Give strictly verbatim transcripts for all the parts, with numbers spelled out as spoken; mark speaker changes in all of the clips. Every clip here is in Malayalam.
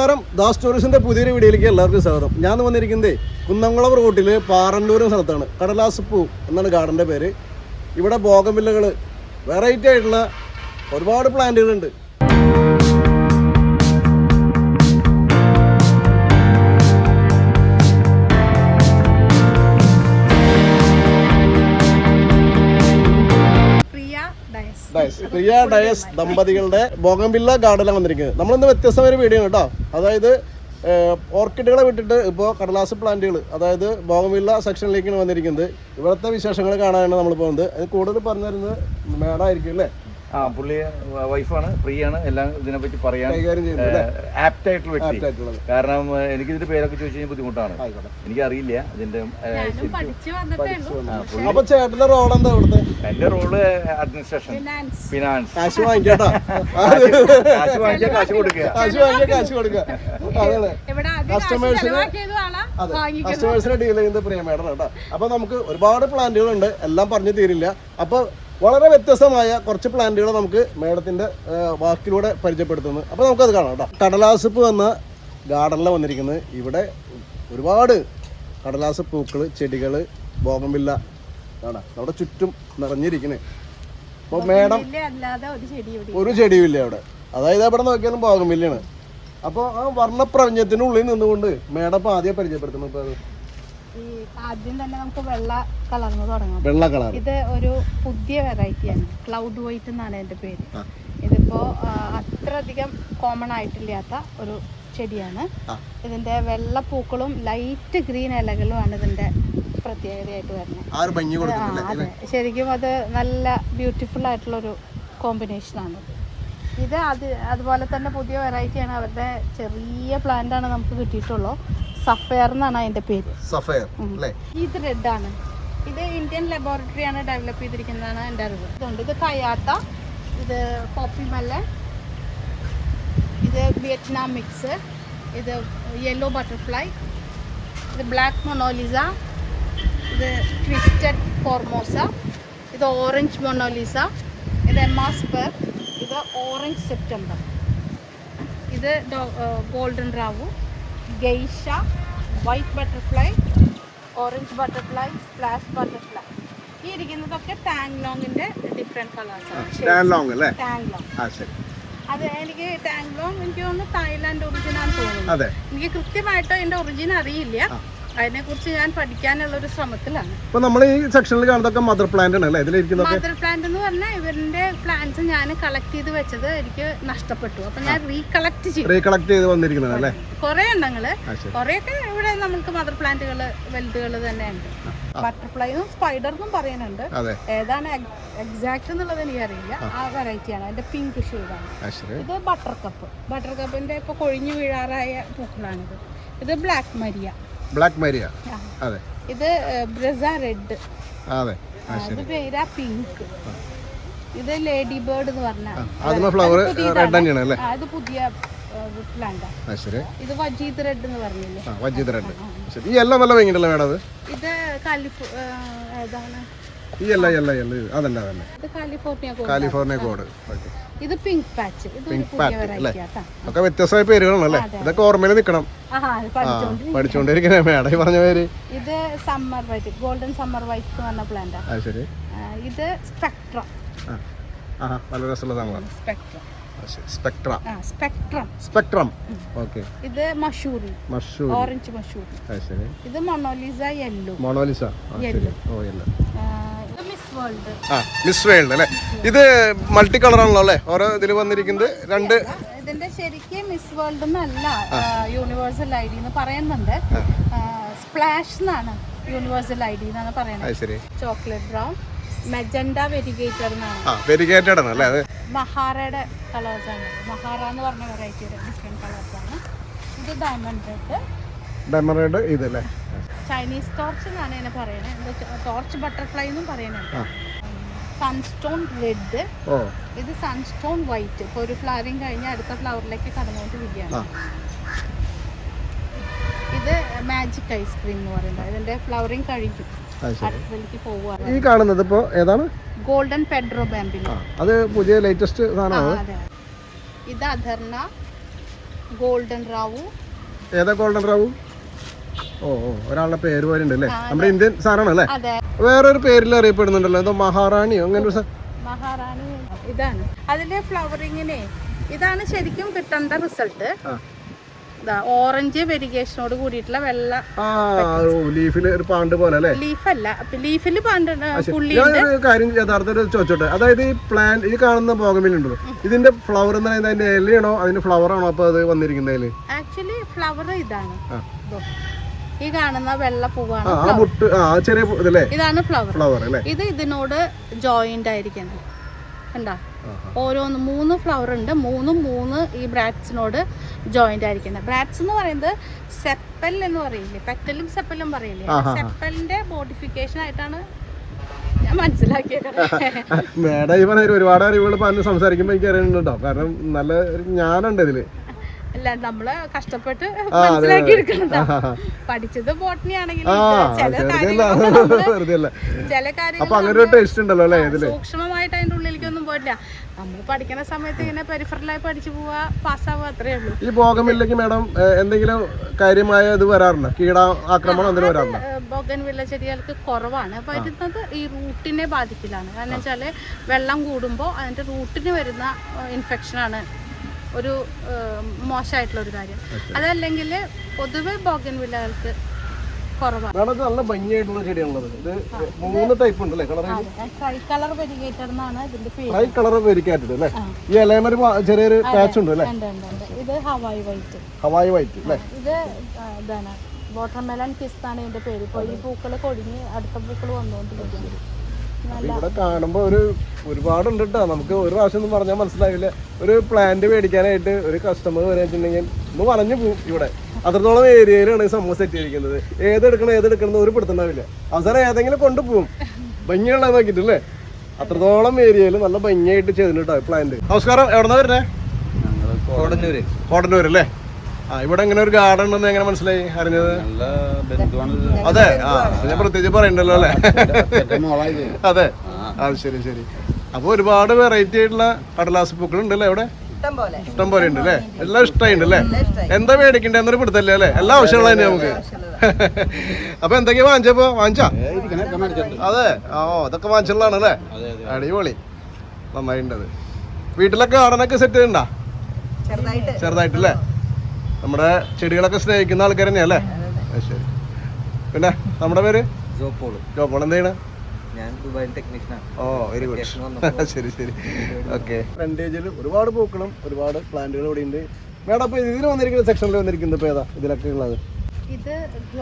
Speaker 1: നമസ്കാരം, ദാസ് ടൂറിസ്റ്റിന്റെ പുതിയൊരു വീഡിയോയിലേക്ക് എല്ലാവർക്കും സ്വാഗതം. ഞാൻ വന്നിരിക്കുന്നത് കുന്നംകുളം റൂട്ടിൽ പാറന്നൂർ സ്ഥലത്താണ്. കടലാസ് പൂ എന്നാണ് ഗാർഡൻ്റെ പേര്. ഇവിടെ ബോഗൻവില്ലകൾ, വെറൈറ്റി ആയിട്ടുള്ള ഒരുപാട് പ്ലാന്റുകളുണ്ട്. പ്രിയ ഡയസ് ദമ്പതികളുടെ ബോഗൻവില്ല ഗാർഡനിലാണ് വന്നിരിക്കുന്നത്. നമ്മളിന്ന് വ്യത്യസ്തമായ വീഡിയോ കേട്ടോ. അതായത് ഓർക്കിഡുകളെ വിട്ടിട്ട് ഇപ്പോൾ കടലാസ് പ്ലാന്റുകൾ, അതായത് ബോഗൻവില്ല സെക്ഷനിലേക്കാണ് വന്നിരിക്കുന്നത്. ഇവിടുത്തെ വിശേഷങ്ങൾ കാണാനാണ് നമ്മൾ പോകുന്നത്. അത് കൂടുതൽ പറഞ്ഞു തരുന്നത് മേഡം ആയിരിക്കും അല്ലേ?
Speaker 2: ആ, പുള്ളി വൈഫാണ്, ഫ്രീ ആണ്, എല്ലാം ഇതിനെപ്പറ്റി പറയാൻ ആപ്റ്റ് ആയിട്ടുള്ള വ്യക്തി. കാരണം എനിക്ക് ഇതിന്റെ പേരൊക്കെ ചോദിച്ചു കഴിഞ്ഞാൽ ബുദ്ധിമുട്ടാണ്, എനിക്കറിയില്ല ഇതിന്റെ.
Speaker 1: അപ്പൊ ചേട്ടന്റെ റോൾ എന്താ ഇവിടുത്തെ?
Speaker 2: എന്റെ റോള് അഡ്മിനിസ്ട്രേഷൻ, ഫിനാൻസ്.
Speaker 1: കാശ് വാങ്ങിക്കാട്ടാ,
Speaker 2: കാശ് വാങ്ങിക്കാൻ കാശ് കൊടുക്കുക,
Speaker 1: കാശ് വാങ്ങിക്കാൻ കാശ് കൊടുക്കുക. അതെ, കസ്റ്റമേഴ്സിന് കസ്റ്റമേഴ്സിനെ ഡീൽ ചെയ്യുന്നത് പ്രിയ മേഡം കേട്ടോ. അപ്പൊ നമുക്ക് ഒരുപാട് പ്ലാന്റുകളുണ്ട്, എല്ലാം പറഞ്ഞു തീരില്ല. അപ്പൊ വളരെ വ്യത്യസ്തമായ കുറച്ച് പ്ലാന്റുകൾ നമുക്ക് മേഡത്തിന്റെ വാക്കിലൂടെ പരിചയപ്പെടുത്തുന്നു. അപ്പോൾ നമുക്കത് കാണാം കേട്ടോ. കടലാസ് പൂ എന്ന ഗാർഡനിലാണ് വന്നിരിക്കുന്നത്. ഇവിടെ ഒരുപാട് കടലാസ് പൂക്കൾ, ചെടികൾ, ബോഗൻവില്ല കാണാം നമ്മുടെ ചുറ്റും നിറഞ്ഞിരിക്കുന്നത്. അപ്പോൾ മേഡം ഒരു ചെടിയും ഇല്ല അവിടെ, അതായത് എവിടെ നോക്കിയാലും ബോഗൻവില്ലയാണ്. അപ്പോൾ ആ വർണ്ണപ്രപഞ്ചത്തിനുള്ളിൽ നിന്നുകൊണ്ട് മേഡം ഇപ്പോൾ ആദ്യം പരിചയപ്പെടുത്തുന്നു. ഇപ്പോൾ അത്
Speaker 3: ആദ്യം തന്നെ നമുക്ക് വെള്ള കളർന്ന് തുടങ്ങാം.
Speaker 1: വെള്ള കളർ
Speaker 3: ഇത് ഒരു പുതിയ വെറൈറ്റിയാണ്, ക്ലൗഡ് വൈറ്റ് എന്നാണ് എൻ്റെ പേര്. ഇതിപ്പോ അത്ര അധികം കോമൺ ആയിട്ടില്ലാത്ത ഒരു ചെടിയാണ്. ഇതിന്റെ വെള്ള പൂക്കളും ലൈറ്റ് ഗ്രീൻ ഇലകളുമാണ് ഇതിന്റെ പ്രത്യേകതയായിട്ട് വരുന്നത്. അതെ, ശരിക്കും അത് നല്ല ബ്യൂട്ടിഫുൾ ആയിട്ടുള്ള ഒരു കോമ്പിനേഷനാണ്. ഇത് അത് അതുപോലെ തന്നെ പുതിയ വെറൈറ്റിയാണ്. അവരുടെ ചെറിയ പ്ലാന്റ് ആണ് നമുക്ക് കിട്ടിയിട്ടുള്ളൂ. സഫയർ എന്നാണ് അതിന്റെ പേര്.
Speaker 1: സഫയർ അല്ലേ?
Speaker 3: ഇത് റെഡ് ആണ്. ഇത് ഇന്ത്യൻ ലബോറട്ടറി ആണ് ഡെവലപ്പ് ചെയ്തിരിക്കുന്നതാണ് എൻ്റെ അറിവ്. ഇതുണ്ട്, ഇത് കയാത്ത, ഇത് പോപ്പി മെലൺ, ഇത് വിയറ്റ്നാം മിക്സ്, ഇത് യെല്ലോ ബട്ടർഫ്ലൈ, ഇത് ബ്ലാക്ക് മൊണോലിസ, ഇത് ട്വിസ്റ്റഡ് ഫോർമോസ, ഇത് ഓറഞ്ച് മൊണോലിസ, ഇത് എമാസ്പർ, ഇത് ഓറഞ്ച് സെപ്റ്റംബർ, ഇത് ഗോൾഡൻ റാവു, geisha, white butterfly, orange butterfly, splash butterfly. ഈ ഇരിക്കുന്നതൊക്കെ ടാങ്ലോങ്ങിന്റെ ഡിഫറെന്റ് കളേഴ്സാണ്. അത് എനിക്ക് ടാങ്ലോങ് എനിക്ക് തോന്നുന്നു തായ്ലാൻഡ് ഒറിജിൻ ആണെന്ന് തോന്നുന്നു. എനിക്ക് കൃത്യമായിട്ട് അതിന്റെ ഒറിജിൻ അറിയില്ല, അതിനെ കുറിച്ച് ഞാൻ പഠിക്കാനുള്ള ഒരു ശ്രമത്തിലാണ്.
Speaker 1: ഇപ്പൊ നമ്മൾ ഈ സെക്ഷനിൽ കാണുന്നതൊക്കെ മദർ പ്ലാന്റ് ആണ് അല്ലേ?
Speaker 3: മദർ പ്ലാന്റ് എന്ന് പറഞ്ഞാൽ ഇവരുടെ പ്ലാന്റ്സ് ഞാൻ കളക്ട് ചെയ്ത് വെച്ചത് എനിക്ക് നഷ്ടപ്പെട്ടു. അപ്പൊ ഞാൻ റീകളക്ട് ചെയ്തു
Speaker 1: റീകളക്ട് ചെയ്ത് വന്നിരിക്കുന്നത് അല്ലേ?
Speaker 3: കുറെ എണ്ണങ്ങള്, കുറെയൊക്കെ ഇവിടെ നമുക്ക് മദർ പ്ലാന്റുകള് വലുതുകള് തന്നെ ഉണ്ട്. ബട്ടർഫ്ലൈയും സ്പൈഡർന്നും പറയുന്നുണ്ട്. ഏതാണ് എക്സാക്ട് എന്നുള്ളത് എനിക്കറിയില്ല. ആ വെറൈറ്റിയാണ്, അതിന്റെ പിങ്ക് ഷെയ്ഡാണ്. ഇത് ബട്ടർ കപ്പ്, ബട്ടർ കപ്പിന്റെ ഇപ്പൊ കൊഴിഞ്ഞു വീഴാറായ പൂക്കളാണിത്. ഇത് ബ്ലാക്ക് മരിയ,
Speaker 1: ബ്ലാക്ക് മരിയ. അതെ,
Speaker 3: ഇത് ബ്രസ റെഡ്.
Speaker 1: അതെ,
Speaker 3: ഇത് പേരാ പിങ്ക്. ഇത് ലേഡി ബേർഡ് എന്ന് പറഞ്ഞാൽ അത് പുതിയ പ്ലാന്റ്. ഇത് വജീദ് റെഡ് എന്ന് പറഞ്ഞില്ലേ?
Speaker 1: വജീദ് റെഡ്. ഈ യെല്ലോ നല്ല ഭംഗിയുണ്ടല്ലോ മേഡം. അത്
Speaker 3: ഇത് കാലിഫോ ഏതാണ്?
Speaker 1: ഈ യെല്ലോ യെല്ലോ യെല്ലോ അതല്ല അതല്ല
Speaker 3: ഇത് കാലിഫോർണിയ കോഡ്.
Speaker 1: California code.
Speaker 3: ഇത് പിങ്ക് പാച്ച്. ഇത് ഒരു പുതിയ വെറൈറ്റി ആണ്.
Speaker 1: ഒക്കെ വ്യത്യസ്തമായ പേരുകളാണല്ലേ? ഇതൊക്കെ ഓർമ്മയിൽ നിൽക്കണം, പഠിച്ചുകൊണ്ടിരിക്കണേ മേഡം പറഞ്ഞ പേര്.
Speaker 3: ഇത് summer white, golden summer white എന്ന് പറഞ്ഞ പ്ലാന്റ്.
Speaker 1: ശരി.
Speaker 3: ഇത് സ്പെക്ട്രം.
Speaker 1: വളരെ രസമുള്ളതാണ്.
Speaker 3: Spectrum
Speaker 1: spectrum
Speaker 3: spectrum
Speaker 1: spectrum okay.
Speaker 3: ഇത് മഷൂറി,
Speaker 1: മഷൂറി,
Speaker 3: ഓറഞ്ച് മഷൂറി.
Speaker 1: ശരി.
Speaker 3: ഇത് മൊണോലിസ യെല്ലോ.
Speaker 1: Mona Lisa yellow. ഓ യെല്ലോ.
Speaker 3: ഇത് മിസ് വേൾഡ്.
Speaker 1: ആ, മിസ് വേൾഡ് അല്ലേ? ഇത് മൾട്ടി കളർ ആണല്ലോ അല്ലേ? ഓരോ ഇതിൽ വന്നിരിക്കുന്നത് രണ്ട്.
Speaker 3: ഇതിന്റെ ശരിക്കും മിസ് വേൾഡ് എന്നല്ല, യൂണിവേഴ്സൽ ഐ ഡി എന്ന് പറയുന്നുണ്ട്. സ്പ്ലാഷ് എന്നാണ് യൂണിവേഴ്സൽ ഐ ഡി എന്നാണ് പറയുന്നത്. ചോക്ലേറ്റ് ബ്രൗൺ, മെജൻഡ വെരിഗേറ്റഡ് എന്നാണ്.
Speaker 1: ആ, വെരിഗേറ്റഡ് ആണ് അല്ലേ? അത്
Speaker 3: മഹാറയുടെ കളേഴ്സ് ആണ്. മഹാറ എന്ന് പറഞ്ഞ വെറൈറ്റിയുടെ ഡിഫറെന്റ് കളേഴ്സ് ആണ്. ഇത് ഡയമണ്ട് റെഡ്.
Speaker 1: ഡയമണ്ട് റെഡ് ഇതല്ലേ?
Speaker 3: ചൈനീസ് ടോർച്ച് എന്നാണ് ഇതിനെ പറയുന്നത്. ടോർച്ച് ബട്ടർഫ്ലൈ എന്നും പറയുന്നുണ്ട്. Sunstone red. ഇത് സൺസ്റ്റോൺ വൈറ്റ്. ഇപ്പൊ ഒരു ഫ്ലവറിങ് കഴിഞ്ഞ് അടുത്ത ഫ്ലവറിലേക്ക് കടന്നുകൊണ്ടിരിക്കുകയാണ്. ഇത് മാജിക് ഐസ്ക്രീം എന്ന് പറയുന്നത്. ഇതിന്റെ ഫ്ലവറിങ് കഴിഞ്ഞു, അടുത്തതിലേക്ക് പോവുകയാണ്.
Speaker 1: ഈ കാണുന്നത് ഇപ്പോ ഏതാണ്?
Speaker 3: Golden Pedro Bambino.
Speaker 1: അത് പുതിയ ലേറ്റസ്റ്റ് സാധനമാണ്.
Speaker 3: ഇത് അധർണ, ഗോൾഡൻ റാവു.
Speaker 1: ഏതാ ഗോൾഡൻ റാവു? ഓ ഓ ഒരാളുടെ പേര് പോലെ ഉണ്ട് അല്ലേ? നമ്മുടെ ഇന്ത്യൻ സാധനമാണ് അല്ലേ?
Speaker 3: അതെ.
Speaker 1: വേറൊരു പേരിൽ അറിയപ്പെടുന്നുണ്ടല്ലോ, എന്തോ മഹാറാണിയോ അങ്ങനെ ഒരു
Speaker 3: മഹാറാണി. ഇതാണ് അതിന്റെ ഫ്ലവറിങ്ങിനെ, ഇതാണ് ശരിക്കും കിട്ടേണ്ട റിസൾട്ട്. ഓറഞ്ച് വെരിഗേഷനോട് കൂടിയിട്ടുള്ള വെള്ള
Speaker 1: ലീഫിൽ ഒരു പാണ്ട് പോലെ അല്ലേ?
Speaker 3: ലീഫല്ല, ലീഫിൽ പാണ്ട് പുള്ളി.
Speaker 1: കാര്യം യഥാർത്ഥത്തിൽ ചോദിച്ചോട്ടെ, അതായത് ഈ പ്ലാന്റ് ഈ കാണുന്ന ബോഗൻവില്ല ഇതിന്റെ ഫ്ലവർ എന്ന് പറയുന്നത് അതിന്റെ ഇലയാണോ അതിന്റെ ഫ്ലവർ ആണോ അപ്പൊ അത് വന്നിരിക്കുന്നതില്?
Speaker 3: ആക്ച്വലി ഫ്ലവർ ഇതാണ്, ഈ കാണുന്ന വെള്ള പൂവാണ്
Speaker 1: ചെറിയ
Speaker 3: ഇതാണ് ഫ്ലവർ. ഫ്ലവർ അല്ലേ? ഇത് ഇതിനോട് ജോയിന്റ് ആയിരിക്കണം. കണ്ടോ, ഓരോന്ന് മൂന്ന് ഫ്ലവർ ഉണ്ട്, മൂന്നും മൂന്ന് ഈ ബ്രാറ്റ്സിനോട് ജോയിന്റ് ആയിരിക്കുന്നത്. ബ്രാറ്റ്സ് എന്ന് പറയുന്നത് സെപ്പൽ എന്ന് പറയില്ലേ, പെറ്റലും സെപ്പലും പറയില്ലേ, സെപ്പലിന്റെ മോഡിഫിക്കേഷൻ ആയിട്ടാണ് ഞാൻ മനസ്സിലാക്കിയത്.
Speaker 1: മേഡം ഈ പറഞ്ഞ ഒരുപാട് അറിവുകൾ പറഞ്ഞ് സംസാരിക്കുമ്പോൾ എനിക്ക് അറിയുന്നുണ്ടോ, കാരണം നല്ല ജ്ഞാനുണ്ട് ഇതില്.
Speaker 3: അല്ല, നമ്മള് കഷ്ടപ്പെട്ട് മനസ്സിലാക്കി എടുക്കണതാ. പഠിച്ചത് ബോട്ടണി ആണെങ്കിൽ ചില കാര്യങ്ങൾ സൂക്ഷ്മമായിട്ട് അതിന്റെ ഉള്ളിലേക്കൊന്നും പോയിട്ടില്ല. നമ്മൾ പഠിക്കുന്ന സമയത്ത് ഇങ്ങനെ പെരിഫറലായി പഠിച്ചു പോവാ, പാസ്സാവുക, അത്രേ ഉള്ളൂ.
Speaker 1: ഈ ബോഗൻവില്ലയ്ക്ക് മാഡം എന്തെങ്കിലും കാര്യമായ ഇത് വരാറുണ്ടോ, കീട ആക്രമണം എന്തെങ്കിലും വരാറുണ്ടോ?
Speaker 3: ബോഗൻവില്ല ചെടികൾക്ക് കുറവാണ് വരുന്നത്, ഈ റൂട്ടിനെ ബാധിക്കലാണ്. കാരണം വെച്ചാല് വെള്ളം കൂടുമ്പോൾ അതിന്റെ റൂട്ടിന് വരുന്ന ഇൻഫെക്ഷനാണ് ഒരു മോശമായിട്ടുള്ള ഒരു കാര്യം. അതല്ലെങ്കിൽ പൊതുവെ ബോഗൻവില്ലകൾക്ക് കുറവാണ്.
Speaker 1: നല്ല ഭംഗിയായിട്ടുള്ള ചെടിയാണുള്ളത്. ഇത് മൂന്ന് ടൈപ്പ് ഉണ്ടല്ലേ കളർ?
Speaker 3: ട്രൈ കളർ വെരിഗേറ്റഡ് എന്നാണ് ഇതിന്റെ പേര്.
Speaker 1: ട്രൈ കളർ വെരിഗേറ്റഡ് അല്ലേ? ഈ ഇലയമൊരു ചെറിയൊരു പാച്ച് ഉണ്ട് അല്ലേ?
Speaker 3: ഇത് ഹവായി വൈറ്റ്.
Speaker 1: ഹവായി വൈറ്റ് അല്ലേ?
Speaker 3: ഇത് ഇതാണ് വാട്ടർമെലൺ കിസ് ആണ് ഇതിന്റെ പേര്. ഇപ്പോൾ ഈ പൂക്കൾ കൊടിഞ്ഞ് അടുത്ത പൂക്കൾ വന്നുകൊണ്ടിരിക്കുന്നത്.
Speaker 1: ഇവിടെ കാണുമ്പോ ഒരു ഒരുപാടുണ്ട് കേട്ടോ, നമുക്ക് ഒരു പ്രാവശ്യം ഒന്നും പറഞ്ഞാൽ മനസ്സിലാവില്ല. ഒരു പ്ലാന്റ് മേടിക്കാനായിട്ട് ഒരു കസ്റ്റമർ വരാച്ചിട്ടുണ്ടെങ്കിൽ ഒന്ന് വളഞ്ഞു പോകും. ഇവിടെ അത്രത്തോളം ഏരിയയിലാണ് സംഭവം സെറ്റ് ചെയ്തിരിക്കുന്നത്. ഏതെടുക്കണം ഏതെടുക്കണം ഒരു പിടുത്തുണ്ടാവില്ല. അവസാനം ഏതെങ്കിലും കൊണ്ടുപോകും ഭംഗിയുള്ള നോക്കിയിട്ടല്ലേ. അത്രത്തോളം ഏരിയയിൽ നല്ല ഭംഗിയായിട്ട് ചെയ്തിട്ടോ പ്ലാന്റ്. നമസ്കാരം, എവിടെന്നാ വരുന്നേ?
Speaker 2: കോടന്നൂര്.
Speaker 1: കോടന്നൂര് അല്ലേ? ആ, ഇവിടെ ഇങ്ങനെ ഒരു ഗാർഡൻ ഉണ്ടെന്ന് എങ്ങനെ മനസ്സിലായി അറിഞ്ഞത്? അതെ, ആ ഞാൻ പ്രത്യേകിച്ച് പറയണ്ടല്ലോ അല്ലേ? അതെ, അത് ശരി ശരി. അപ്പൊ ഒരുപാട് വെറൈറ്റി ആയിട്ടുള്ള കടലാസ് പൂക്കൾ ഉണ്ട് അല്ലേ ഇവിടെ? ഇഷ്ടം പോലെ ഉണ്ട് അല്ലേ? എല്ലാം ഇഷ്ടമായിട്ടുണ്ട് അല്ലേ? എന്താ മേടിക്കണ്ടേ എന്നൊരു പിടുത്തല്ലേ അല്ലേ? എല്ലാ ആവശ്യമുള്ള തന്നെ നമുക്ക്. അപ്പൊ എന്തൊക്കെയാ വാങ്ങിച്ചപ്പോ? വാങ്ങിച്ചാ? അതെ, ഓ ഇതൊക്കെ വാങ്ങിച്ചുള്ളതാണ് അല്ലേ? അടിപൊളി, നന്നായിട്ടത്. വീട്ടിലൊക്കെ ഗാർഡനൊക്കെ സെറ്റ് ചെയ്യണ്ടാ? ചെറുതായിട്ടല്ലേ? നമ്മുടെ ചെടികളൊക്കെ സ്നേഹിക്കുന്ന ആൾക്കാർ തന്നെയാ അല്ലേ? ശരി. പിന്നെ നമ്മുടെ പേര് ജോപോൾ. ജോപോൾ എന്ത് ചെയ്യണേ? ഓ വെരി ഗുഡ്. ശരി ശരി, ഓക്കെ. ഫ്രണ്ടേജിൽ ഒരുപാട് പൂക്കളും ഒരുപാട് പ്ലാന്റുകളും ഇവിടെ ഉണ്ട്. മേഡം അപ്പൊ ഇതിന് വന്നിരിക്കുന്ന സെക്ഷനിൽ വന്നിരിക്കുന്നത് ഇപ്പൊ ഏതാ ഇതിലൊക്കെ ഉള്ളത്?
Speaker 3: ഇത്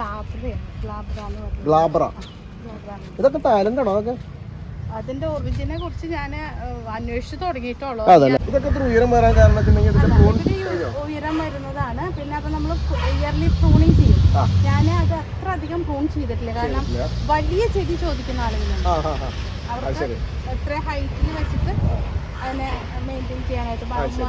Speaker 1: ഗ്ലാബ്ര. ഇതൊക്കെ ടാലന്റ് ആണോ? അതൊക്കെ
Speaker 3: അതിന്റെ ഒറിജിനെ കുറിച്ച് ഞാൻ അന്വേഷിച്ചു തുടങ്ങിയിട്ടുള്ളൂ.
Speaker 1: ഇതൊക്കെ ഉയരം വരാൻ കാരണം
Speaker 3: ഉയരം വരുന്നതാണ്. പിന്നെ അപ്പൊ നമ്മൾ ഇയർലി പ്രൂണിങ് ചെയ്യും. ഞാൻ അത് അത്ര അധികം പ്രൂൺ ചെയ്തിട്ടില്ല, കാരണം വലിയ ചെടി ചോദിക്കുന്ന ആളുകളുണ്ട്. അവർക്ക് എത്ര ഹൈറ്റിൽ വെച്ചിട്ട് അതിനെ മെയിൻറ്റെയിൻ ചെയ്യാനായിട്ട്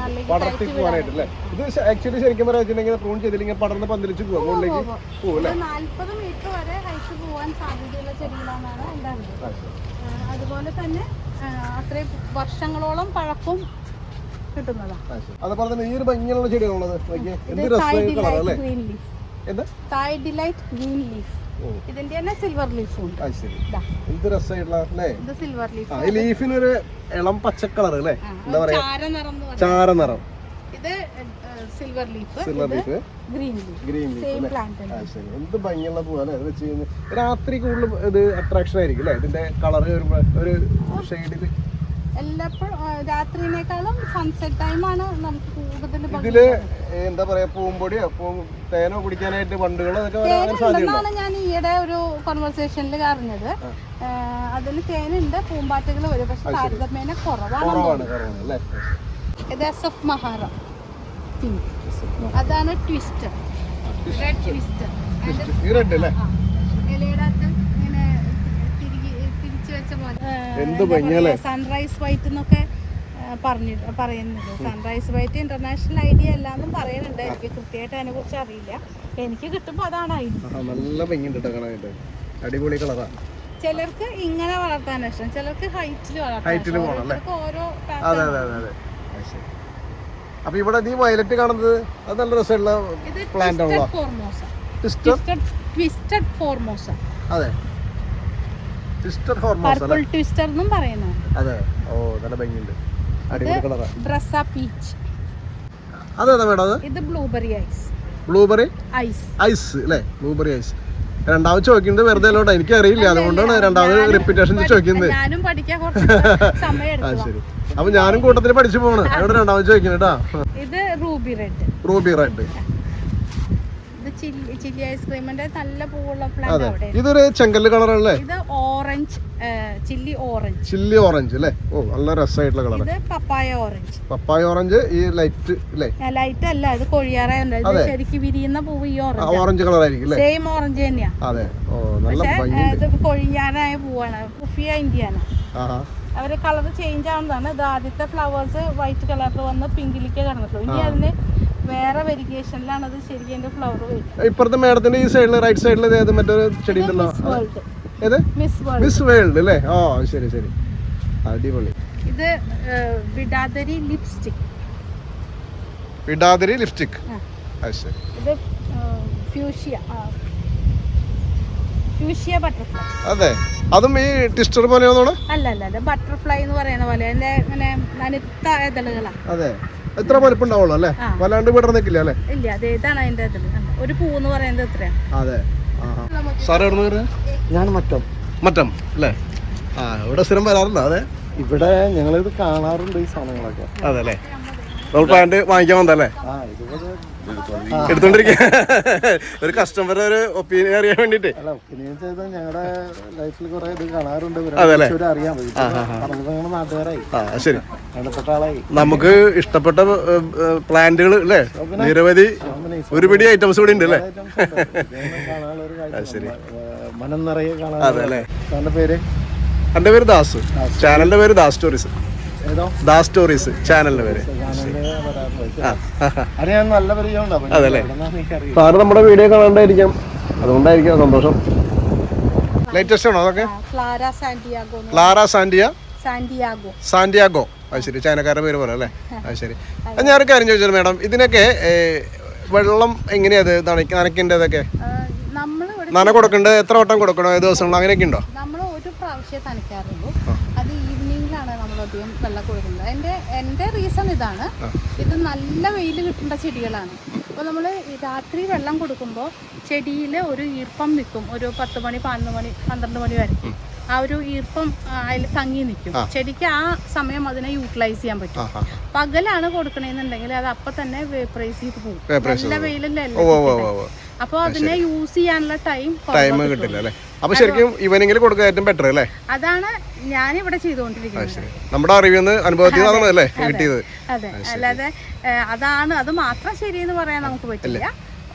Speaker 3: നാല്പത് മീറ്റർ വരെ ഹൈറ്റ് പോവാൻ സാധ്യതയുള്ള ചെടികളാണ് ഉണ്ടാകുന്നത്. അതുപോലെ തന്നെ അത്രയും വർഷങ്ങളോളം പഴക്കം കിട്ടുന്നതാണ്.
Speaker 1: അതുപോലെ തന്നെ ഈ ഒരു ഭംഗിയുള്ള ചെടികളുള്ളത്
Speaker 3: ഇതിന്റെ തന്നെ സിൽവർ ലീഫ് ഉണ്ട്.
Speaker 1: എന്ത് രസമായിട്ടുള്ള
Speaker 3: ഇത് സിൽവർ ലീഫ്.
Speaker 1: ഈ ലീഫിനൊരു ഇളം പച്ചക്കളർ അല്ലേ, എന്താ പറയാ, ചാരനിറം.
Speaker 3: ഇത് silver leaf,
Speaker 1: silver leaf,
Speaker 3: green leaf,
Speaker 1: green
Speaker 3: same plant.
Speaker 1: എന്ത് ഭംഗിയുള്ള പൂവാണ് അത് വെച്ച് കഴിഞ്ഞാൽ. രാത്രി കൂടുതൽ ഇത് അട്രാക്ഷൻ ആയിരിക്കും അല്ലേ ഇതിന്റെ കളർ ഒരു ഷെയ്ഡില്?
Speaker 3: എല്ലാപ്പോഴും രാത്രിനേക്കാളും സൺസെറ്റ് ടൈമാണ് നമുക്ക് കൂടുതൽ.
Speaker 1: ഇതില് എന്താ പറയാ, പൂമ്പൊടിയോ തേനോ കുടിക്കാനായിട്ട് വണ്ടുകളോ
Speaker 3: തേനുണ്ടെന്നാണ് ഞാൻ ഈയിടെ ഒരു കോൺവെർസേഷനിൽ അറിഞ്ഞത്. അതിൽ തേനുണ്ട്, പൂമ്പാറ്റകൾ വരും, പക്ഷെ താരതമ്യേന കുറവാണ്. ഇത് എസ് എഫ് മഹാറ പിങ്ക്, അതാണ് ട്വിസ്റ്റർ, റെഡ് ട്വിസ്റ്റർ. ഇലയുടെ ഇങ്ങനെ തിരിച്ചു വെച്ച പോലെ സൺറൈസ് വൈറ്റ് എന്നൊക്കെ പറഞ്ഞു പറയുന്നത്. സൺറൈസ് വൈറ്റ് ഇന്റർനാഷണൽ ഐഡിയ അല്ലാന്നും പറയുന്നുണ്ട്. എനിക്ക് കൃത്യമായിട്ട് അതിനെ കുറിച്ച് അറിയില്ല. എനിക്ക് കിട്ടുമ്പോ അതാണ്
Speaker 1: അടിപൊളി കളറാ.
Speaker 3: ചിലർക്ക് ഇങ്ങനെ വളർത്താൻ ഇഷ്ടം, ചിലർക്ക് ഹൈറ്റിൽ വളർത്താൻ. ഓരോ
Speaker 1: അപ്പൊ ഇവിടെ നീ വയലറ്റ് കാണുന്നത് അത് നല്ല രസമുള്ള പ്ലാന്റ് ആണല്ലോ.
Speaker 3: Twisted Formosa.
Speaker 1: അതെ, ട്വിസ്റ്റഡ് ഫോർമോസ
Speaker 3: പർപ്പിൾ ട്വിസ്റ്റർ എന്നും പറയുന്നത്.
Speaker 1: അതെ. ഓ നല്ല ഭംഗിയുണ്ട്, അടിപൊളി കളറാ.
Speaker 3: ബ്രസ പീച്ച്.
Speaker 1: അതെന്താ മേഡം അത്?
Speaker 3: ഇത് blueberry ice.
Speaker 1: Blueberry
Speaker 3: ice
Speaker 1: ice അല്ലേ? Blueberry ice. രണ്ടാമത് ചോദിക്കുന്നത് വെറുതെ അല്ലോട്ടെ, എനിക്ക് അറിയില്ല, അതുകൊണ്ടാണ് രണ്ടാമത് റിപ്പീറ്റേഷൻ ചോദിക്കുന്നത്.
Speaker 3: ഞാനും പഠിക്കാൻ കുറച്ച് സമയം എടുത്തു.
Speaker 1: ശരി, അപ്പൊ ഞാനും കൂട്ടത്തിൽ പഠിച്ചു പോണ്, അവിടെ രണ്ടാമത് ചോദിക്കുന്നത് കേട്ടോ.
Speaker 3: ഇത് റൂബി റെഡ്.
Speaker 1: Ruby red.
Speaker 3: ഇത് ചില്ലി ചില്ലി ഐസ്ക്രീമിന്റെ നല്ല പൂവുള്ള പ്ലാന്റ് അവിടെ.
Speaker 1: ഇതൊരു ചെങ്കല്ല് കളറല്ലേ?
Speaker 3: ഇത് orange, chilli orange.
Speaker 1: Chilli orange അല്ലേ? ഓ നല്ല രസമായിട്ടുള്ള കളർ.
Speaker 3: ഇത് പപ്പായ ഓറഞ്ച്.
Speaker 1: പപ്പായ ഓറഞ്ച് ഈ ലൈറ്റ് അല്ലേ?
Speaker 3: ലൈറ്റ് അല്ല, ഇത് കൊഴിയാറായല്ല, ഇത് ശരിക്കും വിരിയുന്ന പൂവ് ഈ ഓറഞ്ച്.
Speaker 1: ഓറഞ്ച് കളർ ആയിരിക്കും അല്ലേ?
Speaker 3: സെയിം ഓറഞ്ച് തന്നെയാ.
Speaker 1: അതെ. ഓ നല്ല ഭംഗിയുണ്ട്.
Speaker 3: ഇത് കൊഴിയാനായ പൂവാണ്, കുഫിയ ഇന്ത്യാന. അവര് കളർ ചേഞ്ച് ആവുന്നതാണ്. ഇത് ആദ്യത്തെ ഫ്ലവേഴ്സ് വൈറ്റ് കളറിൽ വന്ന് പിങ്കിലേക്ക് കടന്നിട്ടുള്ളൂ. ഇനി അതിന് വേറെ വെരിഗേഷനിലാണ് അത് ശരിക്കും അതിന്റെ ഫ്ലവർ വരും.
Speaker 1: ഇപ്പുറത്തെ മേഡത്തിന്റെ ഈ സൈഡില് റൈറ്റ് സൈഡിൽ മറ്റൊരു ചെടി ഉണ്ടല്ലോ, ഏത്? മിസ് വേൾഡ് അല്ലേ? ഓ ശരി ശരി, അടിപൊളി.
Speaker 3: ഇത് വിടാതരി ലിപ്സ്റ്റിക്.
Speaker 1: വിടാതരി ലിപ്സ്റ്റിക്.
Speaker 3: ഇത് ഫ്യൂഷ്യ ഫ്യൂഷ്യ ബട്ടർഫ്ലൈ.
Speaker 1: അതെ, അതും ഈ ടിസ്റ്റർ പോലെയാണോ?
Speaker 3: അല്ല അല്ല, അത് ബട്ടർഫ്ലൈ എന്ന് പറയുന്ന പോലെ അതിന്റെ ഇങ്ങനെ നനുത്ത ഇതളുകളാ.
Speaker 1: അതെ, എത്ര വലിപ്പം ഉണ്ടാവുള്ളൂ അല്ലേ? വല്ലാണ്ട് വിടർന്നിക്കില്ല അല്ലേ?
Speaker 3: ഇല്ല, അത് ഏതാണ് അതിന്റെ ഇതിൽ ഒരു പൂ എന്ന് പറയുന്നത് എത്രയാ?
Speaker 1: അതെ. സാറ് എവിടെ നിന്ന്?
Speaker 4: ഞാൻ മറ്റം
Speaker 1: മറ്റം അല്ലേ? ആ, ഇവിടെ സ്ഥിരം വരാറുണ്ടോ? അതെ,
Speaker 4: ഇവിടെ ഞങ്ങളിത് കാണാറുണ്ട് ഈ സാധനങ്ങളൊക്കെ.
Speaker 1: അതെ അല്ലേ? നമ്മൾ പ്ലാന്റ് വാങ്ങിക്കാൻ വന്നല്ലേ?
Speaker 4: ആ ഇതുപോലെ
Speaker 1: എടുത്തോണ്ടിരിക്കുക ഒരു കസ്റ്റമറുടെ ഒരു ഒപ്പീനിയൻ അറിയാൻ വേണ്ടിട്ട്.
Speaker 4: അല്ല, ഒപ്പീനിയൻ ചെയ്ത് ഞങ്ങളുടെ ലൈഫിൽ കുറെ ഇത് കാണാറുണ്ട്, അറിയാൻ പറ്റും. നാട്ടുകാരായി,
Speaker 1: ശരി,
Speaker 4: വേണ്ടപ്പെട്ട ആളായി.
Speaker 1: നമുക്ക് ഇഷ്ടപ്പെട്ട പ്ലാന്റുകൾ അല്ലേ നിരവധി, ഒരുപിടി ഐറ്റംസ് ഇവിടെ ഉണ്ട് അല്ലേ? ശരി,
Speaker 4: മനം നിറയെ കാണാൻ.
Speaker 1: അതെ അല്ലേ?
Speaker 4: സാറിന്റെ പേര്?
Speaker 1: എന്റെ പേര് ദാസ്, ചാനലിന്റെ പേര് ദാസ് സ്റ്റോറീസ്. ദാസ് സ്റ്റോറീസ് ചാനലിന്റെ പേര്. അതല്ലേ? സാറ് നമ്മുടെ വീഡിയോ കാണാണ്ടായിരിക്കാം, അതുകൊണ്ടായിരിക്കാം സന്തോഷം. ലേറ്റസ്റ്റ് ആണോ അതൊക്കെ?
Speaker 3: Clara Santiago.
Speaker 1: ക്ലാര സാന്റിയ
Speaker 3: സാന്റിയാഗോ
Speaker 1: സാന്റിയാഗോ അത് ശരി, ചൈനക്കാരുടെ പേര് പോലെ അല്ലേ? അത് ശരി. ഞാനൊരു കാര്യം ചോദിച്ചത് മേഡം, ഇതിനൊക്കെ വെള്ളം എങ്ങനെയാ നനയ്ക്കേണ്ടതൊക്കെ? നന കൊടുക്കേണ്ടത് എത്ര വട്ടം കൊടുക്കണോ, ഏത് ദിവസങ്ങളോ അങ്ങനെയൊക്കെ ഉണ്ടോ?
Speaker 3: നമ്മൾ ഒരു പ്രാവശ്യം നനയ്ക്കാറുള്ളൂ, അത് ഈവനിങ്ങിലാണ് നമ്മൾ അധികം വെള്ളം കൊടുക്കുന്നത്. എൻ്റെ എൻ്റെ റീസൺ ഇതാണ്, ഇത് നല്ല വെയിൽ കിട്ടേണ്ട ചെടികളാണ്. അപ്പോൾ നമ്മൾ രാത്രി വെള്ളം കൊടുക്കുമ്പോൾ ചെടിയിൽ ഒരു ഈർപ്പം നിൽക്കും, ഒരു പത്ത് മണി പതിനൊന്ന് മണി പന്ത്രണ്ട് മണി വരെ ആ ഒരു ഈർപ്പം അതിൽ തങ്ങി നിൽക്കും. ചെടിക്ക് ആ സമയം അതിനെ യൂട്ടിലൈസ് ചെയ്യാൻ പറ്റും. പകലാണ് കൊടുക്കണമെന്നുണ്ടെങ്കിൽ അത് അപ്പം തന്നെ വേപ്പറൈസ് ചെയ്ത് പോകും, നല്ല വെയിലല്ലേ. അപ്പോൾ അതിനെ യൂസ് ചെയ്യാനുള്ള ടൈം
Speaker 1: ടൈം കിട്ടില്ല അല്ലേ? അപ്പൊ ശരിക്കും ഇവനെങ്കിലും കൊടുക്കുക ഏറ്റവും ബെറ്റർ അല്ലേ?
Speaker 3: അതാണ് ഞാൻ ഇവിടെ ചെയ്തുകൊണ്ടിരിക്കുന്നത്.
Speaker 1: നമ്മുടെ അറിവിൽ അനുഭവത്തിൽ അല്ലേ കിട്ടിയത്?
Speaker 3: അതെ, അല്ലാതെ അതാണ് അത് മാത്രം ശരിയെന്ന് പറയാൻ നമുക്ക് പറ്റില്ല.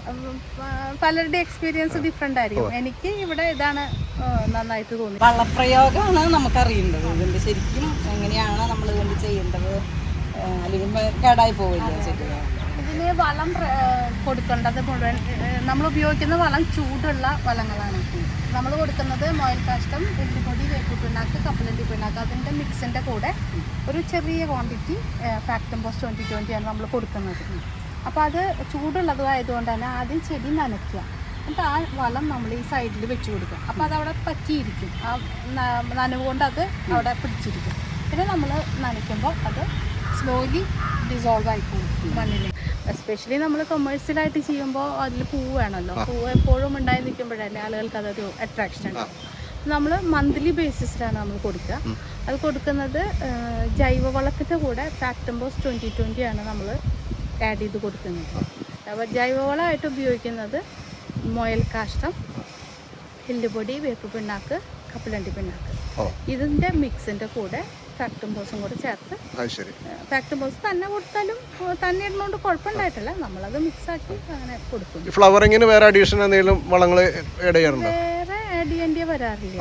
Speaker 3: പലരുടെ എക്സ്പീരിയൻസ് ഡിഫറെന്റ് ആയിരിക്കും. എനിക്ക് ഇവിടെ ഇതാണ് നന്നായിട്ട് തോന്നി.
Speaker 5: വളപ്രയോഗമാണ് നമുക്കറിയേണ്ടത്, ഇതിന്റെ ശരിക്കും എങ്ങനെയാണ് നമ്മൾ ഇതിന്റെ ചെയ്യേണ്ടത്, അല്ലെങ്കിൽ കേടായി പോവില്ല ചെടികൾ.
Speaker 3: ഇതിന് വളം കൊടുക്കേണ്ടത് മുഴുവൻ നമ്മൾ ഉപയോഗിക്കുന്ന വളം ചൂടുള്ള വളങ്ങളാണ്. നമ്മൾ കൊടുക്കുന്നത് മൊയൽ കാഷ്ടം, എല്ലുപൊടി, വേപ്പിപ്പിണ്ണാക്ക്, കപ്പലണ്ടി പിണ്ണാക്ക്, അതിൻ്റെ മിക്സിൻ്റെ കൂടെ ഒരു ചെറിയ ക്വാണ്ടിറ്റി ഫാക്ടംബോസ് ട്വൻറ്റി ട്വൻറ്റിയാണ് നമ്മൾ കൊടുക്കുന്നത്. അപ്പോൾ അത് ചൂടുള്ളതായതുകൊണ്ട് തന്നെ ആദ്യം ചെടി നനയ്ക്കുക, എന്നിട്ട് ആ വളം നമ്മൾ ഈ സൈഡിൽ വെച്ച് കൊടുക്കുക. അപ്പോൾ അതവിടെ പറ്റിയിരിക്കും, ആ നനവ് കൊണ്ട് അത് അവിടെ പിടിച്ചിരിക്കും. പിന്നെ നമ്മൾ നനയ്ക്കുമ്പോൾ അത് സ്ലോലി ഡിസോൾവ് ആയി പോകും മണ്ണിൽ. എസ്പെഷ്യലി നമ്മൾ കൊമേഴ്സ്യലായിട്ട് ചെയ്യുമ്പോൾ അതിൽ പൂവ് വേണമല്ലോ, പൂവ് എപ്പോഴും ഉണ്ടായി നിൽക്കുമ്പോഴല്ലേ ആളുകൾക്ക് അതൊരു അട്രാക്ഷൻ ഉണ്ടാവും. നമ്മൾ മന്ത്ലി ബേസിസിലാണ് നമ്മൾ കൊടുക്കുക. അത് കൊടുക്കുന്നത് ജൈവവളത്തിൻ്റെ കൂടെ ഫാക്ടംബോസ് ട്വൻറ്റി ട്വൻറ്റി ആണ് നമ്മൾ ആഡ് ചെയ്ത് കൊടുക്കുന്നത്. അപ്പോൾ ജൈവവളമായിട്ട് ഉപയോഗിക്കുന്നത് മൊയൽ കാഷ്ടം, എല്ലുപൊടി, വേപ്പ് പിണ്ണാക്ക്, കപ്പലണ്ടി പിണ്ണാക്ക്, ഇതിൻ്റെ മിക്സിൻ്റെ കൂടെ ഫാക്ടംബോസും കൂടെ ചേർത്ത്. ഫാക്ടംബോസ് തന്നെ കൊടുത്താലും തന്നെ ഇടുന്നതുകൊണ്ട് കുഴപ്പമുണ്ടായിട്ടില്ല, നമ്മളത് മിക്സാക്കി അങ്ങനെ കൊടുക്കും.
Speaker 1: ഫ്ലവറിങ്ങിന് വേറെ അഡീഷണൽ എന്തെങ്കിലും വളങ്ങൾ വേറെ
Speaker 3: ആഡ് ചെയ്യേണ്ടി വരാറില്ല,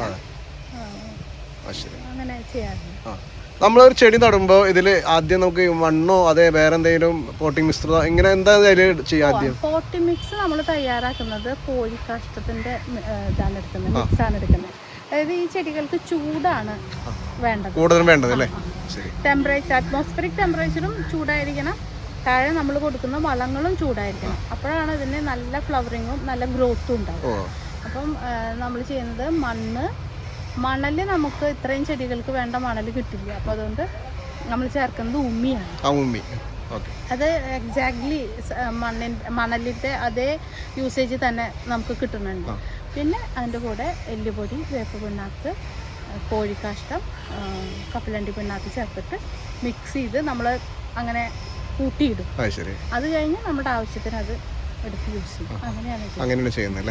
Speaker 3: അങ്ങനെ ചെയ്യാറില്ല.
Speaker 1: നമ്മളൊരു ചെടി നടുമ്പോൾ ഇതിൽ ആദ്യം നമുക്ക് മണ്ണോ അതെ വേറെ എന്തെങ്കിലും പോട്ടിംഗ് മിക്സ് ഇങ്ങനെ എന്താ ചെയ്യാം? ആദ്യം
Speaker 3: പോട്ടിംഗ് മിക്സ് നമ്മൾ തയ്യാറാക്കുന്നത് കോഴിക്കാഷ്ടത്തിൻ്റെ ഇതാണ് എടുക്കുന്നത്, മിക്സാണ് എടുക്കുന്നത്. അതായത് ഈ ചെടികൾക്ക് ചൂടാണ് വേണ്ടത്,
Speaker 1: കൂടുതലും വേണ്ടത് അല്ലേ?
Speaker 3: ടെമ്പറേച്ചർ അറ്റ്മോസ്ഫിയറിക് ടെമ്പറേച്ചറും ചൂടായിരിക്കണം, താഴെ നമ്മൾ കൊടുക്കുന്ന വളങ്ങളും ചൂടായിരിക്കണം. അപ്പോഴാണ് ഇതിന് നല്ല ഫ്ലവറിങ്ങും നല്ല ഗ്രോത്തും ഉണ്ടാവും. അപ്പം നമ്മൾ ചെയ്യുന്നത് മണ്ണ് മണൽ നമുക്ക് ഇത്രയും ചെടികൾക്ക് വേണ്ട മണൽ കിട്ടില്ല. അപ്പോൾ അതുകൊണ്ട് നമ്മൾ ചേർക്കുന്നത് ഉമ്മിയാണ്. അത് എക്സാക്ട്ലി മണ്ണിൻ്റെ മണലിൻ്റെ അതേ യൂസേജ് തന്നെ നമുക്ക് കിട്ടുന്നുണ്ട്. പിന്നെ അതിൻ്റെ കൂടെ എല്ലുപൊടി, വേപ്പ് പിണ്ണാക്ക്, കോഴിക്കാഷ്ടം, കപ്പലണ്ടി പിണ്ണാക്ക് ചേർത്തിട്ട് മിക്സ് ചെയ്ത് നമ്മൾ അങ്ങനെ കൂട്ടിയിടും. അത് കഴിഞ്ഞ് നമ്മുടെ ആവശ്യത്തിന് അത് എടുത്ത് യൂസ് ചെയ്യും. അങ്ങനെയാണ്
Speaker 1: അങ്ങനെയാണ് ചെയ്യുന്നത്.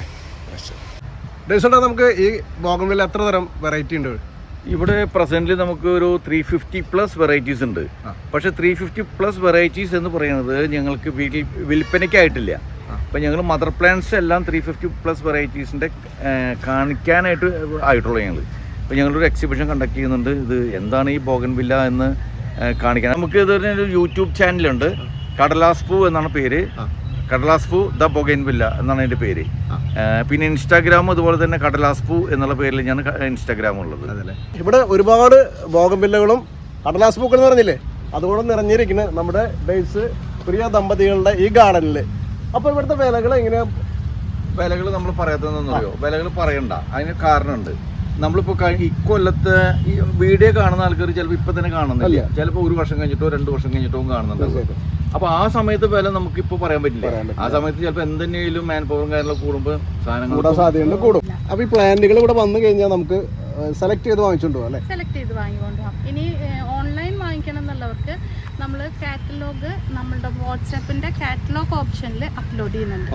Speaker 1: നമുക്ക് ഈ ബോഗൺവില്ല എത്ര തരം വെറൈറ്റി ഉണ്ട്
Speaker 2: ഇവിടെ? പ്രസന്റ്ലി നമുക്ക് ഒരു ത്രീ ഫിഫ്റ്റി പ്ലസ് വെറൈറ്റീസ് ഉണ്ട്. പക്ഷെ ത്രീ ഫിഫ്റ്റി പ്ലസ് വെറൈറ്റീസ് എന്ന് പറയുന്നത് ഞങ്ങൾക്ക് വീട്ടിൽ വിൽപ്പനയ്ക്കായിട്ടില്ല. അപ്പം ഞങ്ങൾ മദർ പ്ലാന്റ്സ് എല്ലാം ത്രീ ഫിഫ്റ്റി പ്ലസ് വെറൈറ്റീസിൻ്റെ കാണിക്കാനായിട്ട് ആയിട്ടുള്ളൂ. ഞങ്ങൾ ഇപ്പോൾ ഞങ്ങളൊരു എക്സിബിഷൻ കണ്ടക്ട് ചെയ്യുന്നുണ്ട്. ഇത് എന്താണ് ഈ ബോഗൺവില്ല എന്ന് കാണിക്കാൻ. നമുക്ക് ഇതൊരു യൂട്യൂബ് ചാനലുണ്ട്, കടലാസ് പൂ എന്നാണ് പേര്. കടലാസ് പൂ ദ ബൊഗൈൻവില്ല എന്നാണ് എൻ്റെ പേര്. പിന്നെ ഇൻസ്റ്റാഗ്രാം അതുപോലെ തന്നെ കടലാസ് പൂ എന്നുള്ള പേരിൽ ഞാൻ ഇൻസ്റ്റാഗ്രാം ഉള്ളത്.
Speaker 1: ഇവിടെ ഒരുപാട് ബോഗൺവില്ലകളും കടലാസ് പൂക്കൾ എന്ന് പറഞ്ഞില്ലേ, അതുകൊണ്ട് നിറഞ്ഞിരിക്കുന്ന നമ്മുടെ ബേസ് പ്രിയ ദമ്പതികളുടെ ഈ ഗാർഡനിൽ. അപ്പോൾ ഇവിടുത്തെ വിലകൾ എങ്ങനെയാ?
Speaker 2: വിലകൾ നമ്മൾ പറയാത്തതെന്നറിയോ? വിലകൾ പറയണ്ട, അതിന് കാരണമുണ്ട്. നമ്മളിപ്പോൾ ഇക്കൊല്ലത്തെ ഈ വീഡിയോ കാണുന്ന ആൾക്കാർ ചിലപ്പോൾ ഇപ്പം തന്നെ കാണുന്നില്ല, ചിലപ്പോൾ ഒരു വർഷം കഴിഞ്ഞിട്ടോ രണ്ട് വർഷം കഴിഞ്ഞിട്ടോ കാണുന്നുണ്ട്. അപ്പോൾ ആ സമയത്ത് വില നമുക്കിപ്പോൾ പറയാൻ പറ്റില്ല. ആ സമയത്ത് ചിലപ്പോൾ എന്തെങ്കിലും മാൻ പവറും കാര്യങ്ങളൊക്കെ കൂടുമ്പോൾ സാധനങ്ങൾ
Speaker 1: കൂടാൻ സാധ്യതയുണ്ട്, കൂടും. അപ്പോൾ ഈ പ്ലാന്റുകൾ ഇവിടെ വന്നു കഴിഞ്ഞാൽ നമുക്ക് സെലക്ട് ചെയ്ത് വാങ്ങിച്ചോണ്ട് പോകാം അല്ലേ?
Speaker 3: സെലക്ട് ചെയ്ത് വാങ്ങിക്കൊണ്ട് പോകാം. ഇനി ഓൺലൈൻ വാങ്ങിക്കണം എന്നുള്ളവർക്ക് നമ്മൾ കാറ്റലോഗ് നമ്മളുടെ വാട്സാപ്പിന്റെ കാറ്റലോഗ് ഓപ്ഷനിൽ അപ്ലോഡ് ചെയ്യുന്നുണ്ട്.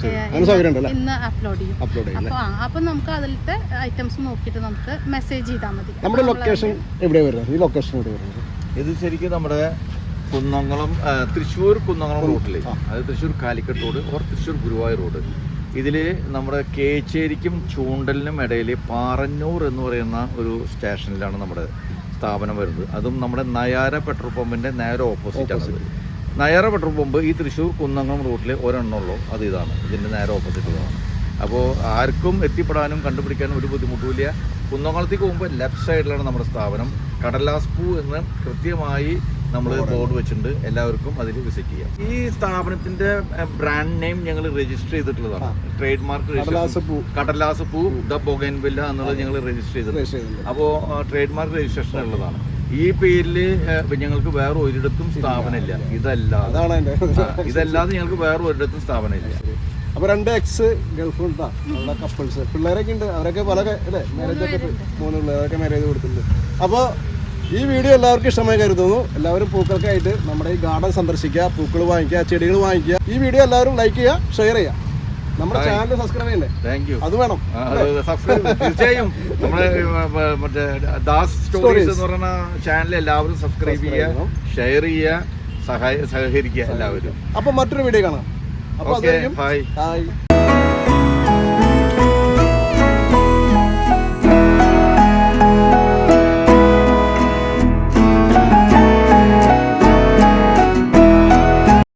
Speaker 3: ഇന്ന് അപ്ലോഡ് ചെയ്യും. അപ്പോൾ ആ അപ്പോൾ നമുക്ക് അതിലത്തെ ഐറ്റംസ് നോക്കിയിട്ട് നമുക്ക് മെസ്സേജ് ചെയ്താൽ മതി.
Speaker 1: നമ്മുടെ ലൊക്കേഷൻ എവിടെയാണ് വരുന്നത്? ഈ ലൊക്കേഷൻ എവിടെ വരുന്നത്?
Speaker 2: ഇത് ശരിക്കും നമ്മുടെ കുന്നംകുളം തൃശ്ശൂർ കുന്നംകുളം റൂട്ടിൽ, അതായത് Thrissur Calicut road or Thrissur Guruvayur road, ഇതിൽ നമ്മുടെ കേച്ചേരിക്കും ചൂണ്ടലിനും ഇടയിൽ പാറന്നൂർ എന്ന് പറയുന്ന ഒരു സ്റ്റേഷനിലാണ് നമ്മുടെ സ്ഥാപനം വരുന്നത്. അതും നമ്മുടെ നയാര പെട്രോൾ പമ്പിൻ്റെ നേരെ ഓപ്പോസിറ്റാണ്. നയാര പെട്രോൾ പമ്പ് ഈ തൃശ്ശൂർ കുന്നംകുളം റൂട്ടിൽ ഒരെണ്ണമുള്ളൂ, അത് ഇതാണ്, ഇതിൻ്റെ നേരെ ഓപ്പോസിറ്റുള്ളതാണ്. അപ്പോൾ ആർക്കും എത്തിപ്പെടാനും കണ്ടുപിടിക്കാനും ഒരു ബുദ്ധിമുട്ടുമില്ല. കുന്നംകുളത്തേക്ക് പോകുമ്പോൾ ലെഫ്റ്റ് സൈഡിലാണ് നമ്മുടെ സ്ഥാപനം. കടലാസ് പൂ എന്ന് കൃത്യമായി നമ്മൾ ബോർഡ് വെച്ചിട്ടുണ്ട്, എല്ലാവർക്കും അതിൽ വിസിറ്റ് ചെയ്യാം. ഈ സ്ഥാപനത്തിന്റെ ബ്രാൻഡ് നെയിം ഞങ്ങൾ രജിസ്റ്റർ ചെയ്തിട്ടുള്ളതാണ്. ട്രേഡ് മാർക്ക് കടലാസ് പൂ ദ ബൊഗൈൻവില്ല എന്നുള്ളത് ഞങ്ങൾ രജിസ്റ്റർ ചെയ്തിട്ടുണ്ട്. അപ്പോൾ ട്രേഡ് മാർക്ക് രജിസ്ട്രേഷൻ ഉള്ളതാണ്. ഈ പേരിൽ ഞങ്ങൾക്ക് വേറെ ഒരിടത്തും സ്ഥാപനമില്ല. ഇതല്ലാതെ ഇതല്ലാതെ ഞങ്ങൾക്ക് വേറെ ഒരിടത്തും സ്ഥാപനമില്ല.
Speaker 1: അപ്പോൾ രണ്ട് എക്സ് ഗൾഫ് കപ്പിൾസ് പിള്ളേരൊക്കെ ഉണ്ട്, അവരൊക്കെ പല അല്ലേ മാരേജ് ഒക്കെ മൂന്ന് പിള്ളേരൊക്കെ മാരേജ് കൊടുത്തിട്ടുണ്ട്. അപ്പോൾ ഈ വീഡിയോ എല്ലാവർക്കും ഇഷ്ടമായി കരുതുന്നു. എല്ലാവരും പൂക്കൾക്കായിട്ട് നമ്മുടെ ഈ ഗാർഡൻ സന്ദർശിക്കുക, പൂക്കൾ വാങ്ങിക്കുക, ചെടികൾ വാങ്ങിക്കുക. ഈ വീഡിയോ എല്ലാവരും ലൈക്ക് ചെയ്യുക, ഷെയർ ചെയ്യുക. നമ്മുടെ ചാനൽ സബ്സ്ക്രൈബ് ചെയ്യണ്ടേ?
Speaker 2: Thank you.
Speaker 1: അത് വേണം
Speaker 2: തീർച്ചയായും. നമ്മുടെ മറ്റേ ദാസ് സ്റ്റോറീസ് എന്ന് പറയുന്ന ചാനൽ എല്ലാവരും സബ്സ്ക്രൈബ് ചെയ്യുക, ഷെയർ ചെയ്യുക, സഹായ സഹകരിക്കുക എല്ലാവരും.
Speaker 1: അപ്പൊ മറ്റൊരു വീഡിയോ കാണാം. അപ്പൊ
Speaker 2: ബൈ.